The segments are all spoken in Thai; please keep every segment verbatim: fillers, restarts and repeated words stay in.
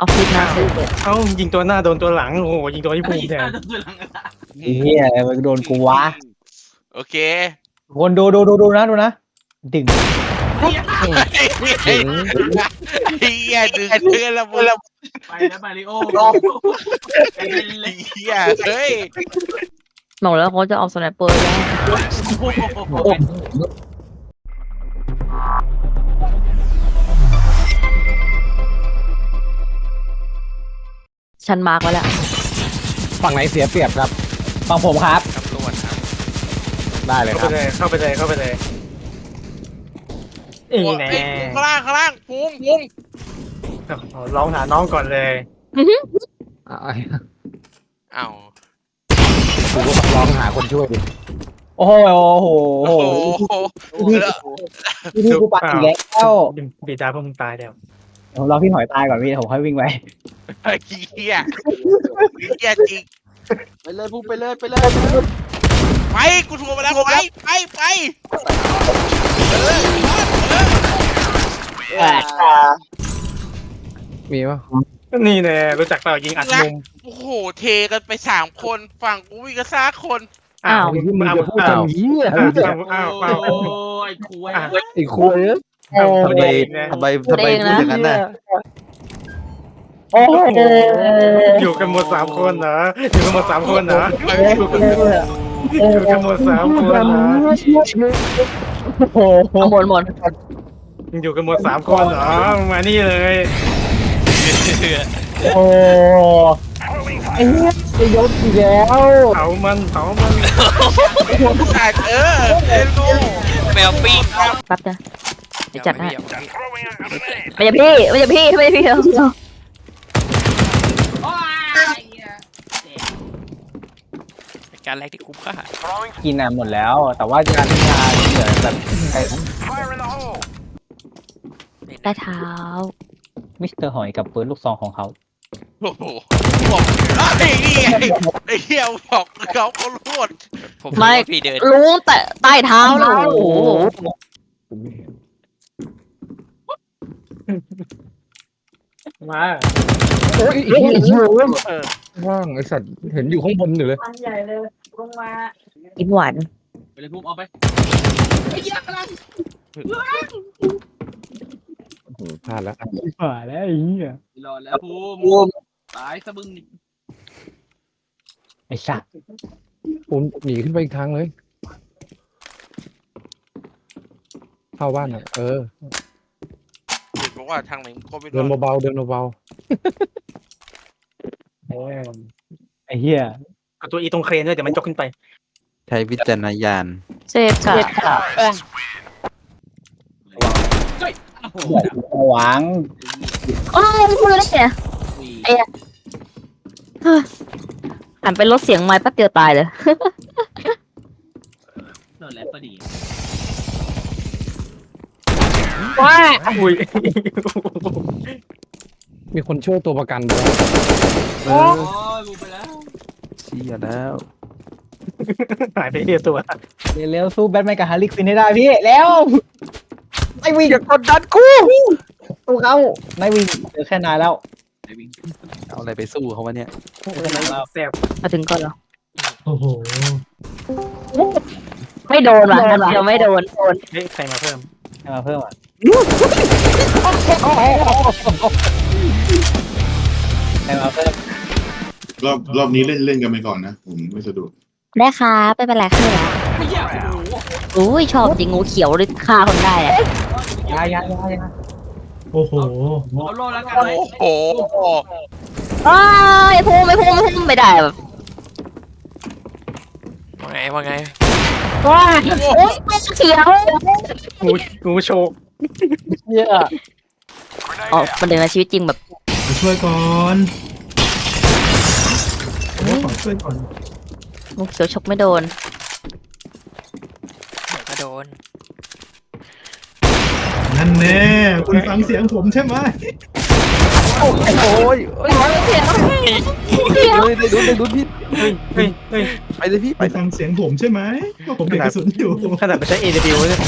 อฟฟิศนะเอ้ายิงตัวหน้าโดนตัวหลังโอ้โหยิงตัวที่ภูมิแทนไอ้เหี้ยมันโดนกูวะโอเคคนดูดูดูดูนะดูนะดึงไอ้เหี้ยดึงเพื่อนละมึงไปแล้วมาริโอไอ้เหี้ยเฮ้ยบอกแล้วเขาจะเอาสไนเปอร์ได้ฉันมาร์กไว้แล้วฝั่งไหนเสียเปรียบครับฝั่งผมครับตำรวจครับได้เลยคเข้ารับไปเลยเข้าไปเลยเข้าไปเลยอีโอ้ยแน่ไอ้ข้างล่างข้างล่างพุงพุงร้องหาน้องก่อนเลยอ่ะอ้าวกูก็ร้องหาคนช่วยดิโอ้โหโอ้โหโอ้โหพี่พี่กูปัดอีกแล้วบีดาพวกมึงตายแล้วผมรอพี่หอยตายก่อนพี่ผมค่อยวิ่งไปไอ้เหี้ยเหี้ยจริงไปเลยพุ่งไปเลยไปเลยไปกูถูกมาแล้วไปไปไปเออเออมีป่ะนี่แน่รู้จักเปล่ายิงอัดมุมโอ้โหเทกันไปสามคนฝั่งกูวิ่งกันซ่าคนอ้าวมึงจะพูดอ้าวทำเหี้ยอ้าวอ้าวอ้าวโอ้ยคุยไอ้คุยทำไมทำไมทำไมพูดอย่างนั้นน่ะโอ้โหอยู่กันหมดสามคนเหรออยู่กันหมดสามคนเหรออยู่กันหมดสามคนเหรอโอ้โหข้างบนหมดอยู่กันหมดสามคนเหรอมานี่เลยโอ้ไอ้เหี้ยไอ้ยศอีกแล้วเผามันเผามันขาดเออเอ็นโนแมวปิ้งครับแป๊บนะเดี๋ยวจัดให้ไม่ใช่พี่ไม่ใช่พี่ไม่ใช่พี่เราการแรกที่คุ้มค่ากินอ่ะหมดแล้ว แต่ว่าการทำงานเหลือแบบไอ้ได้เท้ามิสเตอร์หอยกับปืนลูกซองของเขาโอ้โหบอกไอ้เหี้ยไอ้เหี้ยบอกเขาเขารวดไม่รู้แต่ใต้เท้าเลยโอ้โหมาโอ้ยไอ้เหี้ยว่างไอ้สัตว์เห็นอยู่ข้างบนอยู่เลยมันใหญ่เลยลงมากินหวานไปเลยพุ่งเอาไปพลาดแล้วผ่าแล้วไอ้เหี้ยรอแล้วพุ่งตายสะบึงไอ้สัตว์ผมหนีขึ้นไปอีกทางเลยเข้าบ้านอ่ะเออเห็นบอกว่าทางไหนก็ไม่เดินรู้เบาๆเดินเบาโอ้ยๆไอ้เหี้ยเอาตัวอีตรงเครนด้วยเดี๋ยวมันจกขึ้นไปใช้วิจารณญาณเซฟค่ะหวังโอ้ยพูดได้ไงหันไปลดเสียงไม้แป๊บเดียวตายเลยโดนแล้วพอดีว้าอุ้ยมีคนช่วยตัวประกันด้วยเอโอ้อยพุ่งไปแล้วเชี่ยแล้วหายไปเดียวตัวเร็วๆสู้แบทแมนกับฮาร์ลีควินให้ได้พี่แล้วไม่วิ่งอย่ากดดันกูสู้เขาไม่วิ่งเหลือแค่นายแล้วเอาอะไรไปสู้เขาวะเนี่ยแซ่บมาถึงก่อนเหรอโอ้โหไม่โดนว่ะนัดเดียวไม่โดนเฮ้ยใครมาเพิ่มให้มาเพิ่มอ่ะให้มาเพิ่มรอบรอบนี้เล่นเล่นกันไปก่อนนะ ผมไม่สะดวกได้ครับไม่เป็นไรขึ้นแล้วไม่เหี้ยโอ้โหอุ้ยชอบจริงงูเขียวเลยฆ่าคนได้อะยายายายาโอ้โหเอาโลแล้วกันโอ้โหอ้าวไอ้พุ่งไม่พุ่งไม่พุ่งไม่ได้แบบว่าไงว่าไงว้าโอ้ยเขียวงูงูโชกเหี้ยอ๋อมันเดินในชีวิตจริงแบบมาช่วยก่อนขอช่วยก่อนงูเขียวฉกไม่โดนก็โดนนั่นแน่คุณฟังเสียงผมใช่ไหมโอ้ยโอ้ยเสียงเสียงเฮ้ยได้ลุ้นได้ลุ้นพี่เฮ้ยเฮ้ยเฮ้ยไปเลยพี่ไปไปฟังเสียงผมใช่ไหมว่าผมเด็กกระสุนอยู่ขนาดไปใช้ เอ ดับเบิลยู เนี่ย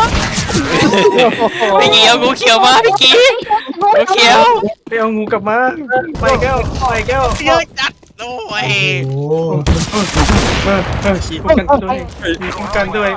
พี่กี้เอางูเขียวมาพี่กี้งูเขียวไปเอางูกลับมาไปแก้วไปแก้วเยอะจัดโอ้ยโอ้เออเออขี่ป้องกันด้วยขี่ป้องกันด้วย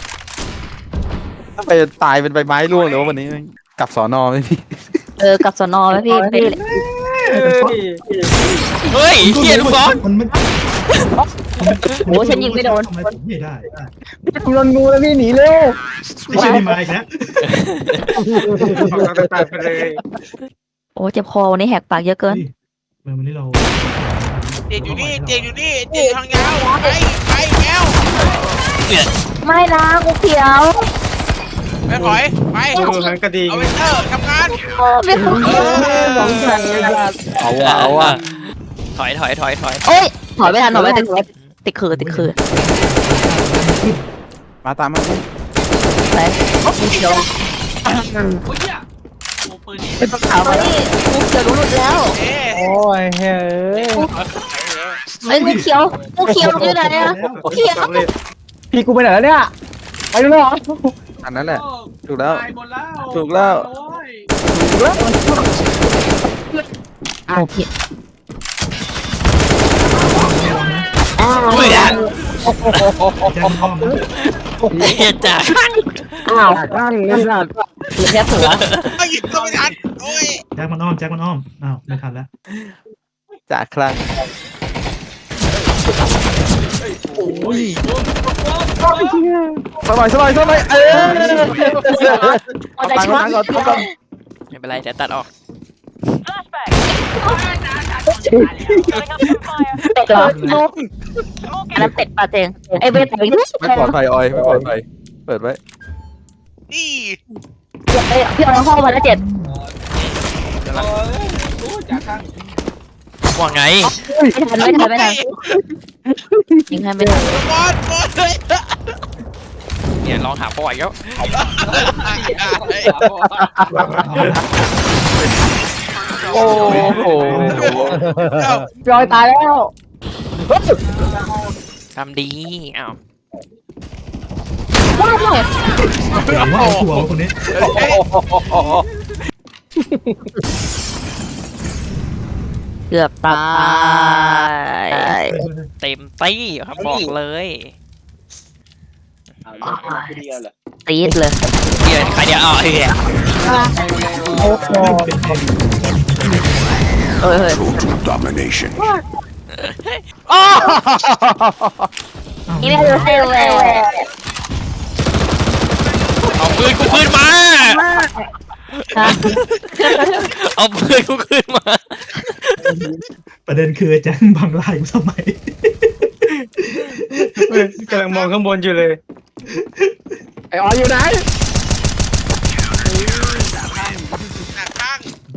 ไปตายเป็นใบไม้ร่วงเลยวะวันนี้กลับสอนอไหมพี่เออกับสนอไหมพี่พี่เฮ้ยเฮ้ยเฮียลูกบอลมันมันโอ้ฉันยิงไม่โดนทำไมผมไม่ได้กูโดนงูแล้วพี่หนีเร็วไม่ใช่นี่มาอีกแล้วออกกำลังกายไปเลยโอ้เจ็บคอวันนี้แหกปากเยอะเกินเมื่อวันนี้เราเจงอยู่นี่เจงอยู่นี่เจงทางยาวไปไปแก้วไม่นะกูเขียวไปถอยไปดูหันกระดิ่งเอาเวนเตอร์ทำงานโอ้ไม่คุ้มสองพันเอาว่ะเอาว่ะถอยถอยถอยถอยโอ้ยถอยไม่ทันถอยไม่ทันติดติดคือติดคือมาตามมาไปกูเขียวโอ้ยเหี้ยโอ้ปืนนี่เป็นขาวนี่กูเขียวรู้หลุดแล้วเอ๊ะโอ้ยเฮ้ยไอ้ยกูเขียวกูเขียวอยู่ไหนอะกูเขียวสำเร็จพี่กูไปไหนแล้วเนี่ยไปดูหน่อยอันนั้นแหละโอ้ถูกแล้วตายหมดแล้วถูกแล้วโอ้ยอ้าวพี่อุ้ยอ่ะแจ้งห้องนะเฮียจ้าอ้าวตั้งเลยสัตว์เหลือแค่เสือไม่หยิบก็ไม่ทันโอ้ยแจ็คมันอ้อมแจ็คมันอ้อมอ้าวไม่ทันแล้วจากครั้งโอ้ยสบายสบายสบายเออเอาใจตังช่วยค์ก่อนตังค์ก่อนไม่เป็นไรเดี๋ยวตัดออกเป็ดเหรอลูกอันนั้นเป็ดปลาเจงไอ้เบสเป็ดไม่ปลอดภัยออยไม่ปลอดภัยเปิดไว้นี่เอ้ยพี่เอาห้องมาแล้วเจ็ดโอ้ยจากข้างว่าไงไม่ทันไม่ทันไม่ทันยิงให้ไม่ทันบอลบอลเลยเนี่ยลองหาประวัติแล้วโอ้โหจอยตายแล้วทำดีอ้าวว้าวว่าเอาตัวคนนี้เกือบตายเต็มตี้ครับบอกเลยตีดเลยเฮียใครเดียวอ๋อเฮียเฮ้ยเฮ้ย domination นี่ไม่รู้เซลเลยเอาปืนกูคืนมา เอาปืนกูคืนมาประเด็นคือแจ็คบังลายกูทำไมเออกำลังมองข้างบนอยู่เลยไอออยอยู่ไหนหน้าข้าง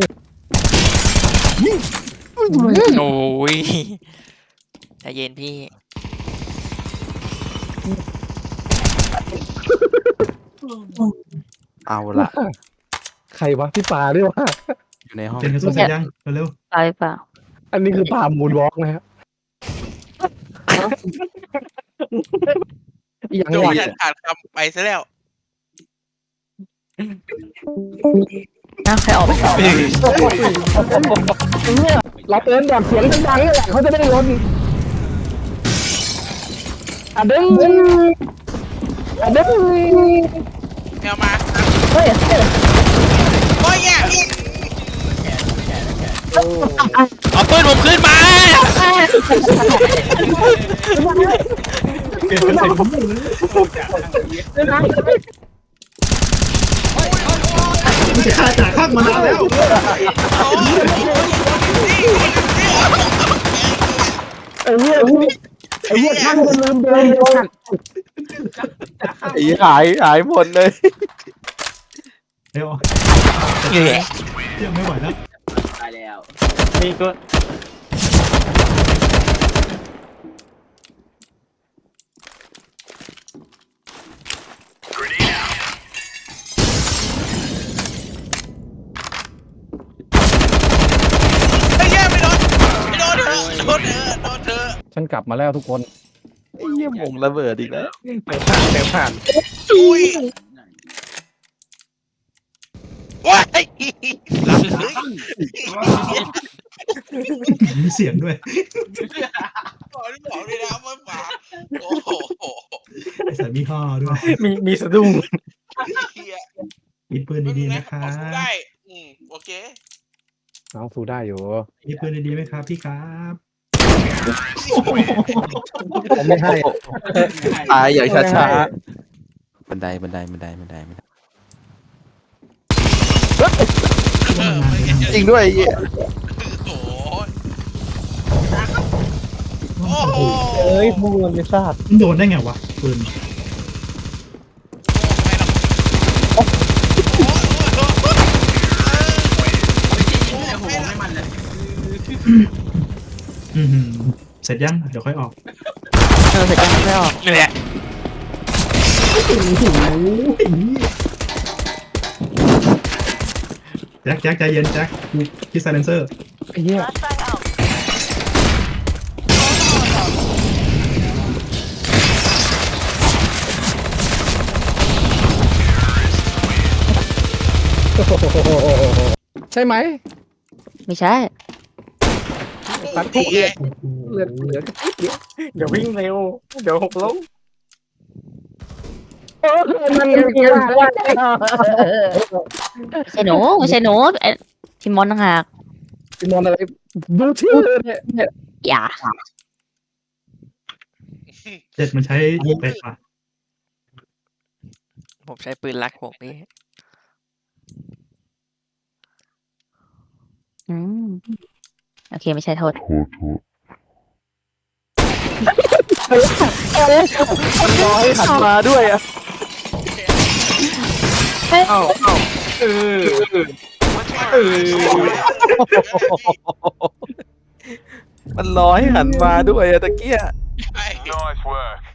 โอ้ยใจเย็นพี่เอาละใครวะพี่ปาด้วยวะอยู่ในห้องเป็นกระสุนเสร็จยังเร็วตายเปล่าอันนี้คือปามูนวอล์กนะครับยังโดไงนขาดคำไปซะแล้วน่าใครออกไปต่อเราเตือนแบบเสียงดังๆนี่แหละเขาจะได้ลนอ่ะดึงอ่ะดึงแมวมาเฮ้ยโอ้ยแย่เอาปืนผมคืนมาๆเปลี่ยนเป็นใส่ผมเลยมันจะฆ่าจ่าข้างมานานแล้วไอ้เหี้ยไอ้เหี้ยช่างมันลืมเดินเดินไอ้หายหายหมดเลยเร็วเหี้ยยังไม่ไหวแล้วตายแล้วมีก็ฉันกลับมาแล้วทุกคนไอ้เหี้ยมงระเบิดอีกแล้วเติมผ่านเติมผ่านอุ้ยว้ายหลับเลยมีเสียงด้วยบอกที่บอกเลยนะไม่ฝากโอ้โหไอ้สายมีห่อด้วยมีมีสะดุ้งเฮียมีปืนดีๆนะคะเอาสู้ได้อืมโอเคน้องสู้ได้อยู่มีปืนดีๆไหมครับพี่ครับผมไม่ให้ตายอย่างช้าๆบันไดบันไดบันไดบันไดบันไดเออไม่เห็นจริงด้วยไอ้เหี้ยโอ้โหโอ้โอ้โหเอ้ยพวกมันไม่ทราบมันโดนได้ไงวะปืนไม่ใช่ยิงเลยโหไม่มันเลยอือหือเสร็จยังเดี๋ยวค่อยออกเออเสร็จยังไม่ออกนี่แหละแจ็คแจ็คใจเย็นแจ็คคิดไซเลนเซอร์ไอ้เหี้ยใช่ไหมไม่ใช่ตัดทุกเลือดเหลือเหลือเดี๋ยวเดี๋ยววิ่งเร็วเดี๋ยวหกล้มมันยังกินว่าไม่ใช่หนูไม่ใช่หนูไอ้ทีมมอนต่างหากพี่มอนอะไรดูชื่อเนี่ยเนี่ยอย่าเจ็ดมันใช้เป็ดป่ะผมใช้ปืนลักผมนี่อืมโอเคไม่ใช่โทษร้อยหันมาด้วยอ่ะเอ้าเอ้าเออเออมันร้อยหันมาด้วยอะตะเกียไอ้ Nice work